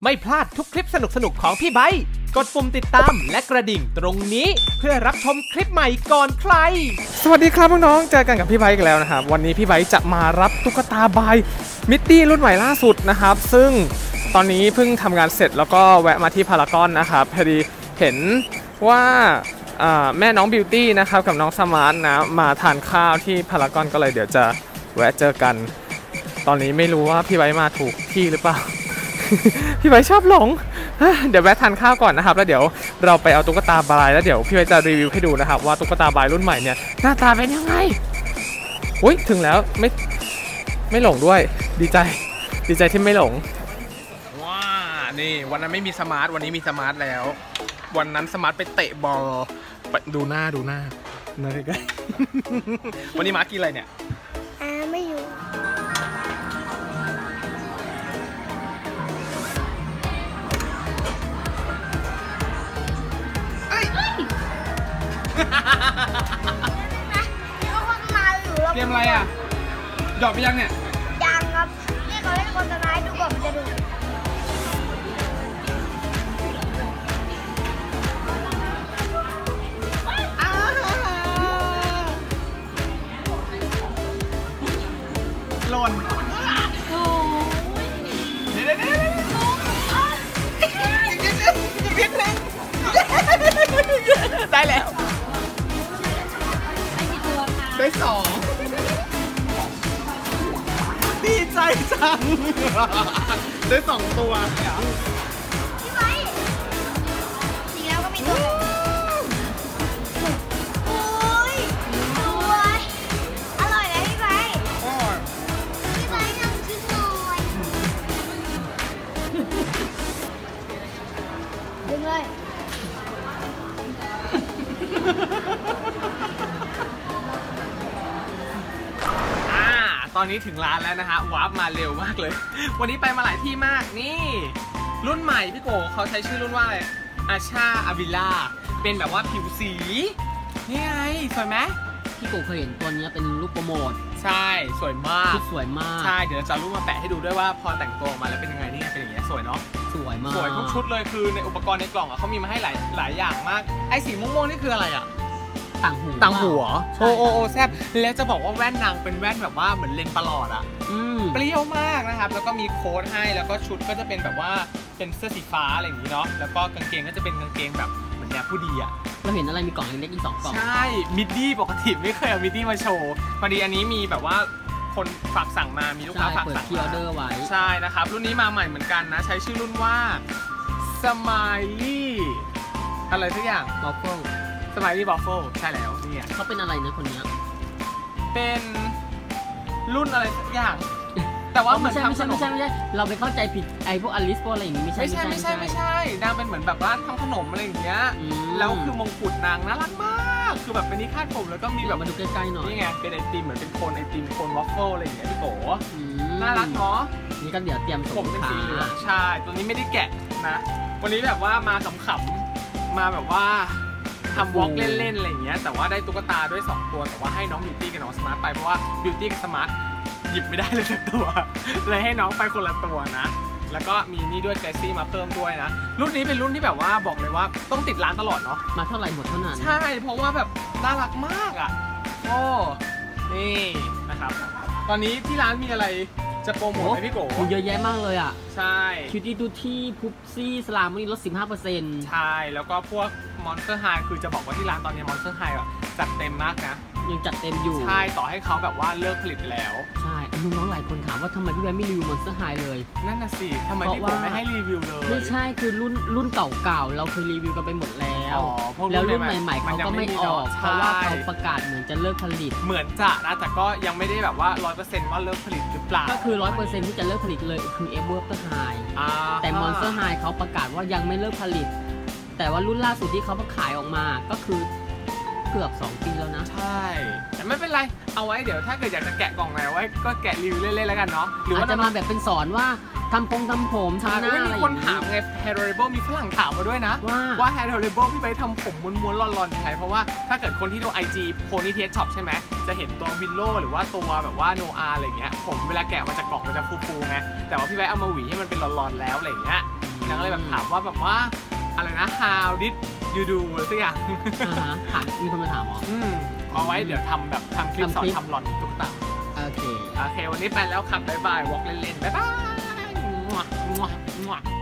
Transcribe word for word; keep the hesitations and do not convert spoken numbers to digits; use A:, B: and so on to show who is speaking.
A: ไม่พลาดทุกคลิปสนุกๆของพี่ไบค์กดปุ่มติดตามและกระดิ่งตรงนี้เพื่อรับชมคลิปใหม่ก่อนใครสวัสดีครับน้องๆเจอกันกับพี่ไบค์กันแล้วนะครับวันนี้พี่ไบค์จะมารับตุ๊กตาบายมิตตี้รุ่นใหม่ล่าสุดนะครับซึ่งตอนนี้เพิ่งทำงานเสร็จแล้วก็แวะมาที่พารากอนนะครับพอดีเห็นว่าแม่น้องบิวตี้นะครับกับน้องสมาร์ทนะมาทานข้าวที่พารากอนก็เลยเดี๋ยวจะแวะเจอกันตอนนี้ไม่รู้ว่าพี่ไบค์มาถูกที่หรือเปล่า พี่ไบค์ชอบหลงเดี๋ยวแวะทานข้าวก่อนนะครับแล้วเดี๋ยวเราไปเอาตุ๊กตาบายแล้วเดี๋ยวพี่ไบค์จะรีวิวให้ดูนะครับว่าตุ๊กตาบายรุ่นใหม่เนี่ยหน้าตาเป็นยังไงอุ้ยถึงแล้วไม่ไม่หลงด้วยดีใจดีใจที่ไม่หลงว้านี่วันนั้นไม่มีสมาร์ทวันนี้มีสมาร์ทแล้ววันนั้นสมาร์ทไปเตะบอลดูหน้าดูหน้าหน้าใกล้ๆวันนี้มาร์ทกินอะไรเนี่ย
B: อ่าไม่อยู่
A: เกมอะไรอ่ะหยอดไปยังเนี่ย
B: ยังครับนี่เขาเล่นคนสุดท้ายดูก่อนมันจะดู
A: หล่นเดี๋ยวเดี๋ยวเดี๋ยวอีกนิดนึงได้แล้วได้สองดีใจจังได้สองตัว
B: พี่ไว้สีแล้วก็มีตัวโอ้ยสวยอร่อยเลยพี่ไว้พี่ไว้ลองชิมหน่อยดึงเลย
A: ตอนนี้ถึงร้านแล้วนะฮะวาร์ปมาเร็วมากเลยวันนี้ไปมาหลายที่มากนี่รุ่นใหม่พี่โกเขาใช้ชื่อรุ่นว่าอะไรอาชาอาวิล่าเป็นแบบว่าผิวสีนี่ไงสวยไหม
C: พี่โกเคยเห็นตัวนี้เป็นรูปโปรโมท
A: ใช่สวยมาก
C: สวยมาก
A: ใช่เดี๋ยวจะรูปมาแปะให้ดูด้วยว่าพอแต่งตัวออกมาแล้วเป็นยังไงนี่ไงเป็นอย่างเงี้ยสวยเนาะ
C: สวยมาก
A: สวยทุกชุดเลยคือในอุปกรณ์ในกล่องอ่ะเขามีมาให้หลายหลายอย่างมากไอ้สีม่วงๆนี่คืออะไรอ่ะ
C: ต่างหู
A: ต่างหัวโอโอโอแซบแล้วจะบอกว่าแว่นนางเป็นแว่นแบบว่าเหมือนเลนส์ประหลอดอ่ะเปรี้ยวมากนะครับแล้วก็มีโค้ดให้แล้วก็ชุดก็จะเป็นแบบว่าเป็นเสื้อสีฟ้าอะไรอย่างนี้เนาะแล้วก็กางเกงก็จะเป็นกางเกงแบบเหมือนแนวผู้ดีอ่ะ
C: เราเห็นอะไรมีกล่องเล็กๆอีกสองกล่อง
A: ใช่มิดดี้ปกติไม่เคยเอามิดดี้มาโชว์พอดีอันนี้มีแบบว่าคนฝากสั่งมามีลูกค้าฝากสั่งมาใช่นะครับรุ่นนี้มาใหม่เหมือนกันนะใช้ชื่อรุ่นว่าสไมลี่อะไรทุกอย่าง
C: บอฟเฟิล
A: สไมลี่บอฟเฟิลใช่แล้วเนี่ย
C: เขาเป็นอะไรนะคนนี้
A: เป็นรุ่นอะไรสักอย่างแต่ว่าเหมือนทำขนม
C: ไม่ใช่ไม่ใช่เราไปเข้าใจผิดไอ้พวกอลิสพวกอะไรอย่างนี้ไม่ใช่
A: ไม่ใช่ไม่ใช่ไม่ใช่นางเป็นเหมือนแบบว่าทำขนมอะไรอย่างเงี้ยแล้วคือมงกุฎนางน่ารักมากคือแบบเป็นนิคาดผมแล้วก็มีแบบ
C: มาดูใกล้ๆหน่อย
A: นี่ไงเป็นไอติมเหมือนเป็นโคนไอติมโคนวอฟเฟิลอะไรอย่างเงี้ยพี่โกน่ารักเนาะ
C: นี่ก็เดี๋ยวเตรียม
A: ผมเป็นสีเหลืองใช่ตัวนี้ไม่ได้แกะนะวันนี้แบบว่ามาขำๆมาแบบว่าทำวอล์กเล่นๆอะไรอย่างเงี้ยแต่ว่าได้ตุ๊กตาด้วยสองตัวแต่ว่าให้น้องบิวตี้กับน้องสมาร์ทไปเพราะว่าบิวตี้กับสมาร์ทหยิบไม่ได้เลยสักตัวเลยให้น้องไปคนละตัวนะแล้วก็มีนี่ด้วยเกรซี่มาเพิ่มด้วยนะรุ่นนี้เป็นรุ่นที่แบบว่าบอกเลยว่าต้องติดร้านตลอดเนาะ
C: มาเท่าไหร่หมดเท่านั้น
A: ใช่เพราะว่าแบบน่ารักมากอ่ะโอ้นี่นะครับตอนนี้ที่ร้านมีอะไรจะโปรโมทไหมพี่โก
C: มีเยอะแยะมากเลยอ่ะ
A: ใช่
C: คิวตี้ดูที่พุบซี่สลามนี่ลด สิบห้าเปอร์เซ็นต์
A: ใช่แล้วก็พวกมอนสเตอร์ไฮคือจะบอกว่าที่ร้านตอนนี้มอนสเตอร์ไฮอ่ะจัดเต็มมากนะ
C: ยังจัดเต็มอยู่
A: ใช่ต่อให้เขาแบบว่าเลิกผลิตแล้ว
C: ใช่น้องๆหลายคนถามว่าทำไมพี่แบงค์ไม่รีวิวมอนสเตอร์ไฮเลย
A: นั่นน่ะสิทำไมพี่โกไม่ให้รีวิวเลย
C: ไม่ใช่คือรุ่นรุ่นเก่าๆเราเคยรีวิวกันไปหมดแล้วแล้วรุ่นใหม่ๆเขาก็ไม่ออกเพราะว่าเขาประกาศเหมือนจะเลิกผลิต
A: เหมือนจะนะแต่ก็ยังไม่ได้แบบว่า ร้อยเปอร์เซ็นต์ ว่าเลิกผลิตหรือเปล่า
C: ก็คือ ร้อยเปอร์เซ็นต์ ที่จะเลิกผลิตเลยคือเอเวอร์ไฮแต่มอนสเตอร์ไฮเขาประกาศว่ายังไม่เลิกผลิตแต่ว่ารุ่นล่าสุดที่เขาขายออกมาก็คือเกือบสองปีแล้วนะ
A: ใช่แต่ไม่เป็นไรเอาไว้เดี๋ยวถ้าเกิดอยากจะแกะกล่องไหนไว้ก็แกะรีวิวเล่นๆแล้วกันเนาะ
C: หรือว่าจะมาแบบเป็นสอนว่าทำพงทำผมทำหน้าอะไร
A: มีคนถามไง Hair Adorable มีฝรั่งถามมาด้วยนะว่าว่า Hair Adorable พี่ไปทำผมม้วนๆร่อนๆยังไงเพราะว่าถ้าเกิดคนที่ดู ไอ จี Pony Test Shop ใช่ไหมจะเห็นตัววิลโล่หรือว่าตัวแบบว่าโนอาอะไรเงี้ยผมเวลาแกะมาจากกล่องมันจะฟูๆไงแต่ว่าพี่ไปเอามาหวีให้มันเป็นร่อนๆแล้วอะไรเงี้ยนางก็เลยแบบถามว่าแบบว่าอะไรนะ how did you do อะไรสักอย่าง
C: อ่าฮะถามมีคนมาถามเหรอ
A: อืมเอาไว้เดี๋ยวทำแบบทำคลิปสอนทำหลอนตุ๊กตา
C: โอเค
A: โอเควันนี้ไปแล้วครับบ๊ายบายวอล์กเล่นๆบ๊ายบาย